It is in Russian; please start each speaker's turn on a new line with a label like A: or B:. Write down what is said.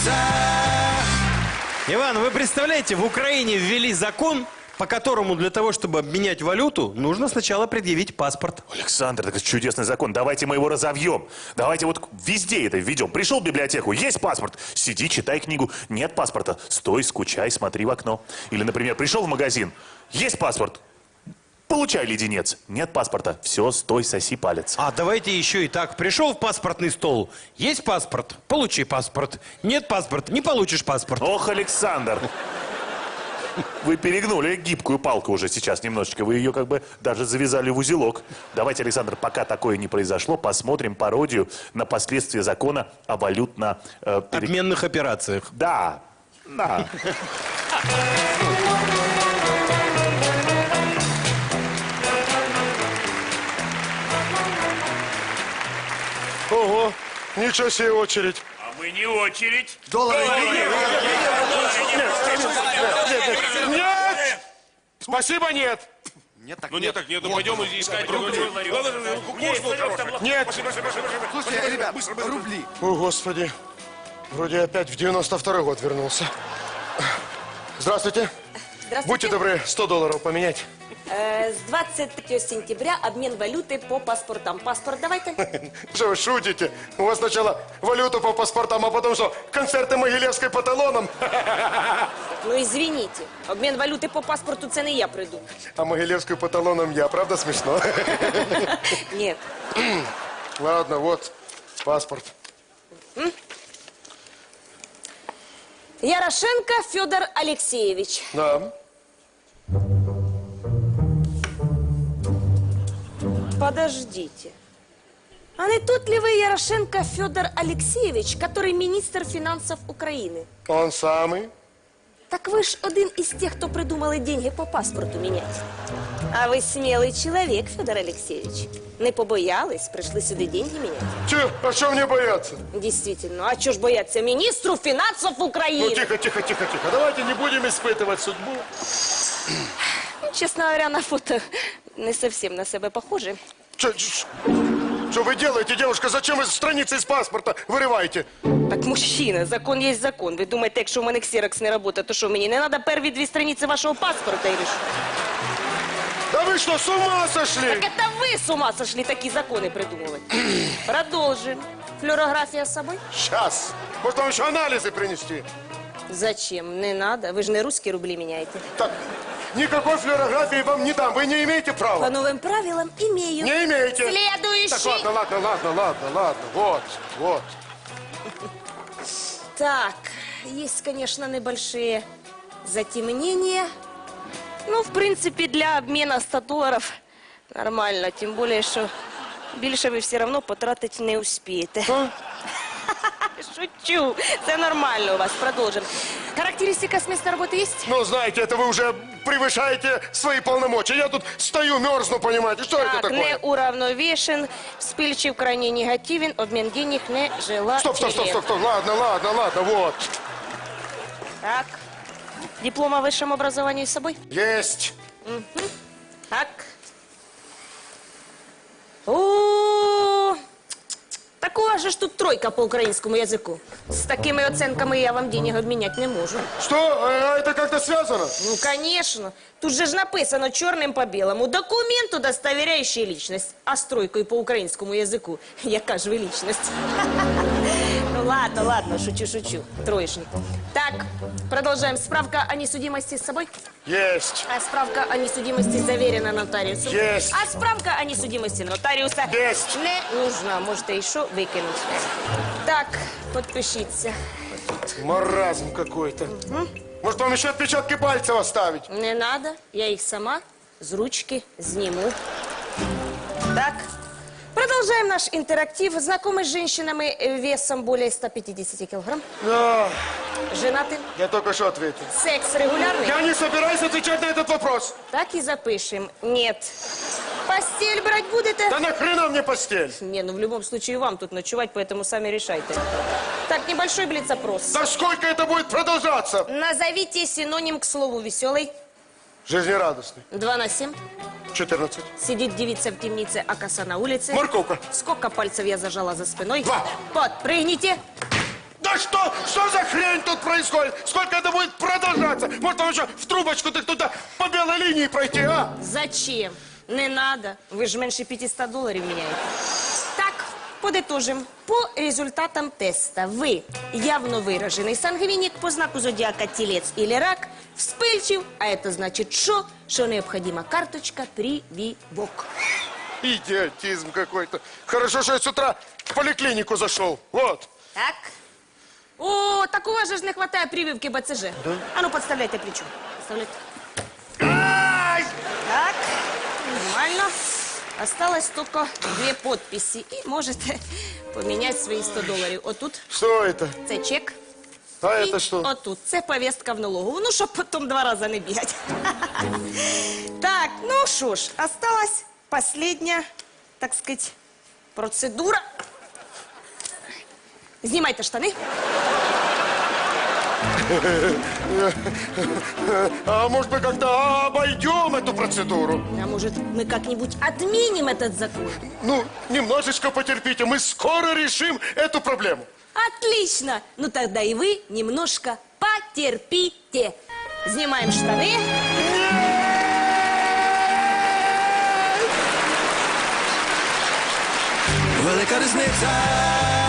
A: Иван, вы представляете, в Украине ввели закон, по которому для того, чтобы обменять валюту, нужно сначала предъявить паспорт.
B: Александр, это чудесный закон. Давайте мы его разовьем. Давайте вот везде это введем. Пришел в библиотеку, есть паспорт. Сиди, читай книгу. Нет паспорта. Стой, скучай, смотри в окно. Или, например, пришел в магазин, есть паспорт. Получай леденец. Нет паспорта. Все, стой, соси палец.
A: А давайте еще и так. Пришел в паспортный стол. Есть паспорт? Получи паспорт. Нет паспорта? Не получишь паспорт.
B: Ох, Александр. Вы перегнули гибкую палку уже сейчас немножечко. Вы ее как бы даже завязали в узелок. Давайте, Александр, пока такое не произошло, посмотрим пародию на последствия закона о валютно...
A: Обменных операциях.
B: Да. Да.
C: Ого, ничего себе очередь.
D: А мы не очередь.
C: Доллары. Нет! Спасибо, нет.
D: Ну нет, так нету, пойдем искать другой человек.
C: Нет.
E: Слушайте, ребят, рубли.
C: О, Господи. Вроде опять в 92-й год вернулся. Здравствуйте.
F: Здравствуйте.
C: Будьте добры, 100 долларов поменять.
F: С 23 сентября обмен валюты по паспортам. Паспорт давайте.
C: Что вы шутите? У вас сначала валюту по паспортам, а потом что, концерты Могилевской по талонам?
F: Ну, извините. Обмен валюти по паспорту це не я придумав.
C: А Могилевскую по талонам я, правда смешно?
F: Нет.
C: Ладно, вот паспорт.
F: Ярошенко Федор Алексеевич.
C: Да.
F: Подождите. А не тот ли вы Ярошенко Федор Алексеевич, который министр финансов Украины?
C: Он самый.
F: Так вы ж один из тех, кто придумали деньги по паспорту менять. А вы смелый человек, Федор Алексеевич. Не побоялись, пришли сюда деньги менять.
C: Че, а что мне бояться?
F: Действительно, а чё ж бояться министру финансов Украины?
C: Ну, тихо, тихо, тихо, тихо. Давайте не будем испытывать судьбу.
F: Честно говоря, на фото не совсем на себя похожи.
C: Что вы делаете, девушка? Зачем вы страницы из паспорта вырываете?
F: Так, мужчина, закон есть закон. Ви думаєте, якщо в мене ксерокс не працює, то що, мені не треба перві 2 страниці вашого паспорта, или що?
C: Да вы что, с ума сошли?
F: Так это вы с ума сошли такие законы придумывать. Продолжим. Флюорография с собой?
C: Сейчас. Может, вам еще анализы принести?
F: Зачем? Не надо. Вы же не русские рубли меняете.
C: Так, никакой флюорографии вам не дам. Вы не имеете
F: По
C: права.
F: новым правилам имею.
C: Не имеете.
F: Следующий.
C: Так, ладно. Вот.
F: Так, есть, конечно, небольшие затемнения. Ну, в принципе, для обмена 100 долларов нормально. Тем более, что більше ви все равно потратить не успієте. Шучу. Це нормально у вас. Продолжим. Характеристика с места работы есть?
C: Ну, знаете, это вы уже превышаете свои полномочия. Я тут стою, мерзну, понимаете. Что это
F: Так,
C: такое?
F: не уравновешен, вспыльчив, крайне негативен, обмен денег не желателен.
C: Стоп. Ладно, вот.
F: Так. Диплом о высшем образовании с собой?
C: Есть.
F: Так. О, так у вас же ж тут 3 по украинскому языку. С такими оценками я вам денег обменять не можу.
C: Что? А это как-то связано?
F: Ну, конечно. Тут же ж написано черным по белому. Документ, удостоверяющий личность. А с 3 по украинскому языку. Яка ж ви личность? Ну, ладно, шучу. Троечник. Так, продолжаем. Справка о несудимости с собой?
C: Есть.
F: А справка о несудимости заверена нотариусом?
C: Есть.
F: А справка о несудимости нотариуса?
C: Есть.
F: Не нужна. Можете еще выкинуть. Так, подпишіться.
C: Маразм какой-то. Может, вам еще отпечатки пальцев оставить?
F: Не надо, я их сама с ручки сниму. Так, продолжаем наш интерактив. Знакомы с женщинами весом более 150 килограмм?
C: Да,
F: Женаты?
C: я только что ответил.
F: Секс регулярный?
C: Я не собираюсь отвечать на этот вопрос.
F: Так и запишем. Нет. Постель брать будете?
C: Да нахрена мне постель?
F: Не, ну в любом случае вам тут ночевать, поэтому сами решайте. Так, небольшой блиц-опрос.
C: Да сколько это будет продолжаться?
F: Назовите синоним к слову веселый.
C: Жизнерадостный.
F: 2 на 7.
C: 14.
F: Сидит девица в темнице, а коса на улице.
C: Морковка.
F: Сколько пальцев я зажала за спиной?
C: 2.
F: Подпрыгните.
C: Да что за хрень? тут происходит? Сколько это будет продолжаться? Может, там еще в трубочку так туда по белой линии пройти, а?
F: Зачем? Не надо. Ви ж менше $500 міняєте. Так, подытожим. По результатам теста вы явно выраженный сангвиник, по знаку зодиака телец или рак, вспыльчив, а это значит что? Что необходима карточка прививок.
C: Идиотизм какой-то. Хорошо, что я с утра в поликлинику зашел. Вот.
F: Так. О, так у вас же ж не хватає прививки БЦЖ. Да? А ну, подставляйте плечо. Подставляйте. Так, нормально. Осталось только 2 подписи. И можете поменять свои $100. Отут
C: Что это?
F: це чек.
C: А
F: І
C: это что?
F: отут це повістка в налогову. Ну, щоб потім 2 рази не бігати. Так, ну що ж, осталась последня, так сказать, процедура. Знімайте штани.
C: А может мы как-то обойдем эту процедуру?
F: А может, мы как-нибудь отменим этот закон?
C: Ну, немножечко потерпите, мы скоро решим эту проблему.
F: Отлично! Ну тогда и вы немножко потерпите. Снимаем штаны.
G: Велика різниця